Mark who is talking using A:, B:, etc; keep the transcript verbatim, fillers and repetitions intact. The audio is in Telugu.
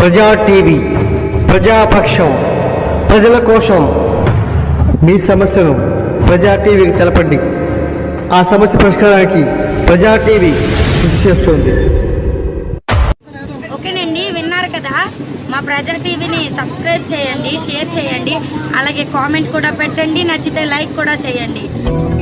A: ప్రజా టీవీ ప్రజాపక్షం, ప్రజల కోసం. మీ సమస్యను ప్రజా టీవీకి తెలపండి. ఆ సమస్య పరిష్కారానికి ప్రజా టీవీ కృషి చేస్తుంది.
B: ఓకేనండి, విన్నారు కదా. మా ప్రజా టీవీని సబ్స్క్రైబ్ చేయండి, షేర్ చేయండి, అలాగే కామెంట్ కూడా పెట్టండి, నచ్చితే లైక్ కూడా చేయండి.